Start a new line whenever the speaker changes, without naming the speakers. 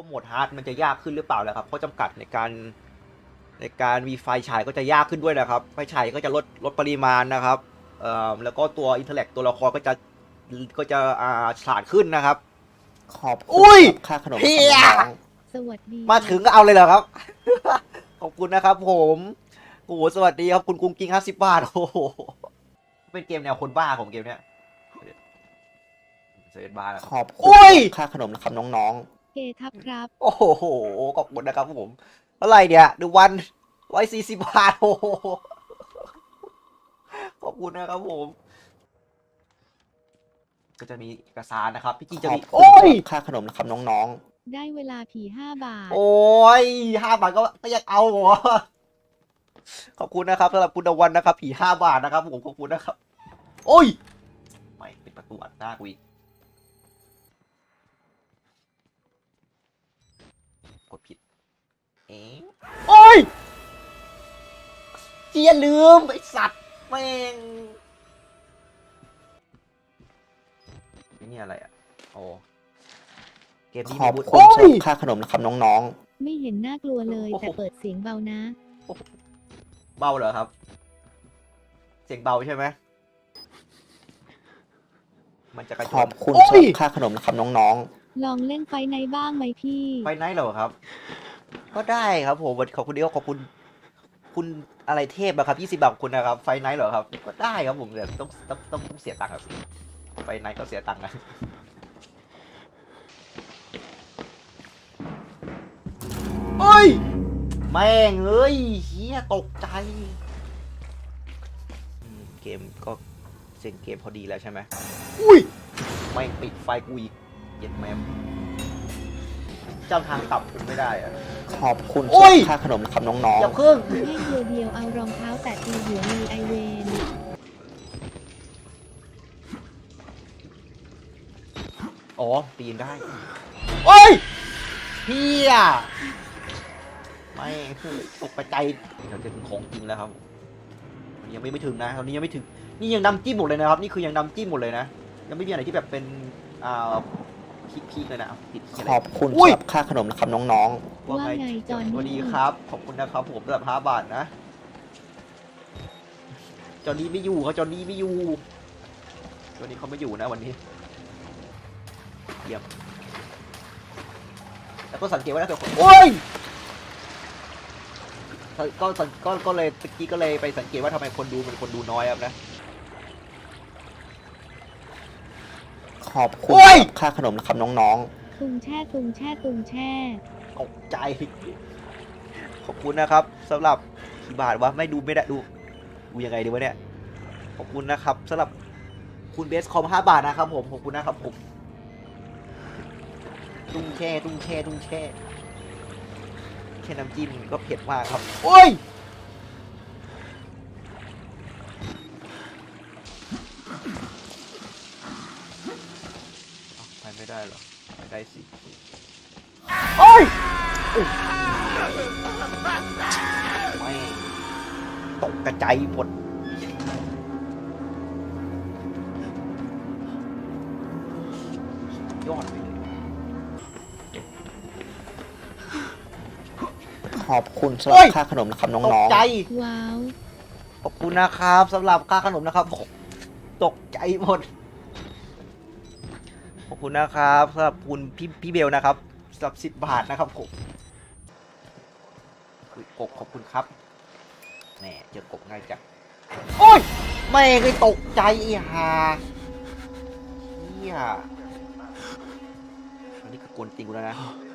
โหมดฮาร์ดมันจะยากขึ้นหรือเปล่าแล้วครับเพราะจำกัดในการมีไฟฉายก็จะยากขึ้นด้วยนะครับไฟฉายก็จะลดปริมาณนะครับแล้วก็ตัวอินเทอร์แลกตัวละครก็จะฉลาดขึ้นนะครับ
ขอบคุ
อุ้
ณ
ย
ครับค่าขนม
เฮีย
น้อง
สวัสดี
มาถึงก็เอาเลยเหรอครับ ขอบคุณนะครับผมโอ้โหสวัสดีครับคุณกุ้งกิ้ง50 บาทโอ้โหเป็นเกมแนวคนบ้าของเกมเนี้ยเซนบ้าแล้ว
ขอบคุ
อุ้
ณ
ย
ค่าขนมนะครับน้อง
เกทับครับ
โอ้โหขอบคุณนะครับผมเท่าไหร่เนี่ยดูวัน140 บาทโอ้โหขอบคุณนะครับผมก็จะมีเอกสารนะครับพี่จริง
ๆ
จะ
ขอ
มี
บคุ
โอ้ย
ณค่าขนมนะครับน้อง
ได้เวลาผี5 บาท
โอ้ย5 บาทก็ยังเอาเหรอขอบคุณนะครับสำหรับคุณตะวันนะครับผี5 บาทนะครับผมขอบคุณนะครับโอ้ยไม่ปิดประตูอัดหน้ากูอีกกดผิดโอ้ยเจียลืมไอสัตว์แม่งนี่อะไรอ่ะโอ้เกม
ๆ
นี้
ขอบ
มี
คุณ
โอ้ย
ค่าขนมนะครับน้อง
ไม่เห็นน่ากลัวเลย
โอ้โห
แต่เปิดเสียงเบานะ
เบาเหรอครับ เสียงเบาใช่ไหมมันจะกระ
ๆ
โจ
ขอน บคุณ
โอ้ย
ค่าขนมนะครับน้อง
ลองเล่นไฟในบ้างไหมพี่
ไฟไนท์เหรอครับ ก็ได้ครับผมขอบคุณเดียวขอบคุณคุณอะไรเทพอะครับ20 บาทขอบคุณนะครับไฟไนท์เหรอครับก็ได้ครับผมแต่ต้องเสียตังค์ครับไฟไนท์ก็เสียตังค์นะเฮ้ยแม่งเอ้ยเฮียตกใจเกมก็เซ็นเกมพอดีแล้วใช่ไหมอุ้ยแม่งปิดไฟกูอีกเย็ดแม่มเจ้าทางต่ำผมไม่ได้อะ
ๆ ขอบคุณ
โอ้ย
ค่าขนมนะครับน้อง
อย่าเพิ่ง
ให้เดียวเดียวเอารองเท้าแตะตีหัวเลยไอเวน
อ๋อปีนได้โอ้ยเฮียไม่คือตกใจเราจะถึงของจริงแล้วครับมันยังไม่ถึงนะตอนนี้ยังไม่ถึงนี่ยังนำจิ้มหมดเลยนะครับนี่คือยังนำจิ้มหมดเลยนะยังไม่มีอะไรที่แบบเป็นพีคเลยนะติดที่อะไร
ๆ ขอบคุณ
อุ้ย
ครับค่าขนมนะครับน้อง
ว่าไงจอน
สวัสดี
นี่
ครับ ขอบคุณนะครับผมสำหรับ5 บาทนะจอนี้ไม่อยู่เขาจอนี้ไม่อยู่จอนี้เขาไม่อยู่นะวันนี้เยี่ยมแล้วก็สังเกตว่าถ้าเกิดคนโอ้ยก็เลยตะกี้ก็เลยไปสังเกตว่าทำไมคนดูมันคนดูน้อยครับนะ
ๆ ขอบคุณ
โอ้ย
ค่าขนมนะครับน้อง
ตุงแช่ตุงแช่ตุงแช่
ตกใจ ขอบคุณนะครับสำหรับกี่บาทวะไม่ได้ดูยังไงดีวะเนี่ยขอบคุณนะครับสำหรับคุณเบสคอม5 บาทนะครับผมขอบคุณนะครับผมตุ้งแช่แค่น้ำจิ้มก็เผ็ดมากครับโอ้ยไปไม่ได้เหรอไปได้สิโอ้ยไม่ตกกระจายหมดยอดไปเลย
ๆ ขอบคุณสำหรับค่าขนมนะครับ
ต
น้
ก
อง
ใจ
ว้าว
ขอบคุณนะครับสำหรับค่าขนมนะครับตกใจหมดขอบคุณนะครับสำหรับคุณพี่เบลนะครับสำหรับ10 บาทนะครับผมกบขอบคุณครับแหมเจอกบง่ายจังโอ้ยไม่เคยตกใจอีห่าเฮียอันนี้คือกวนจริงกูแล้วนะ